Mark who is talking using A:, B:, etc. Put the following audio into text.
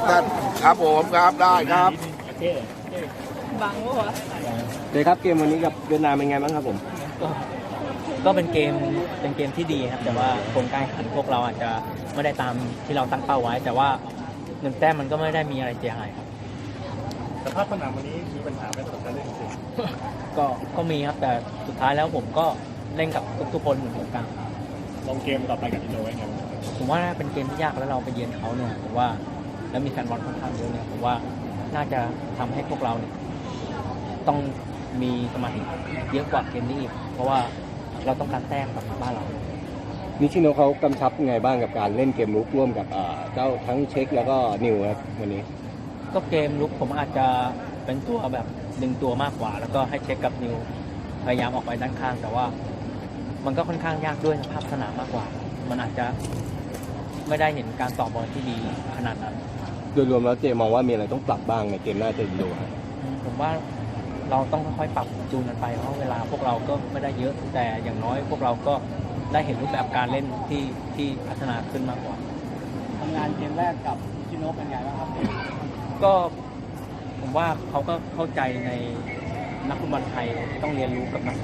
A: ท่านครับผมครับได้ครับ
B: บังวะ
C: เลยครับเกมวันนี้กับเวียดนามเป็นไงบ้างครับผม
D: ก็เป็นเกมที่ดีครับแต่ว่าผลการแข่งขันพวกเราอาจจะไม่ได้ตามที่เราตั้งเป้าไว้ แต่ว่า1 แต้มมันก็ไม่ได้มีอะไรเสียหายครับ
E: สภาพสนามวันนี้มีปัญหาไหมสำหรับการเล่นจริง
D: ก็มีครับแต่สุดท้ายแล้วผมก็เล่นกับทุกคนเหมือนกัน
E: ลงเกมต่อไปกับอินโดไว้ไง
D: ผมว่าเป็นเกมที่ยากแล้วเราไปเยือนเขาเนี่ยผมว่าแล้วมีแฟนบอลค่อนข้างเยอะเนี่ยผมว่าน่าจะทำให้พวกเราเนี่ยต้องมีสมาธิเยอะกว่าเกมนี้อีกเพราะว่าเราต้องการแต้มกับบ้านเรา
C: นิชิโนะเขากำชับยังไงบ้างกับการเล่นเกมรุกร่วมกับเจ้าทั้งเช็คแล้วก็นิวครับวันนี้
D: ก็เกมลุกผมอาจจะเป็นตัวแบบดึงตัวมากกว่า แล้วก็ให้เช็คกับนิวพยายามออกไปด้านข้าง แต่ว่ามันก็ค่อนข้างยากด้วยสภาพสนามมากกว่า มันอาจจะไม่ได้เห็นการต่อบอลที่ดีขนาดนั้น
C: โดยรวมแล้วเจมองว่ามีอะไรต้องปรับบ้างในเกมหน้าเจออินโดครับ
D: ผมว่าเราต้องค่อยๆปรับจูนกันไปเพราะเวลาพวกเราก็ไม่ได้เยอะ แต่อย่างน้อยพวกเราก็ได้เห็นรูปแบบการเล่นที่พัฒนาขึ้นมากกว่า
B: ทำงานเกมแรกกับชิโนะเป็นไงบ้างครับ
D: ก็ผมว่าเขาก็เข้าใจในนักฟุตบอลไทยต้องเรียนรู้กับนัก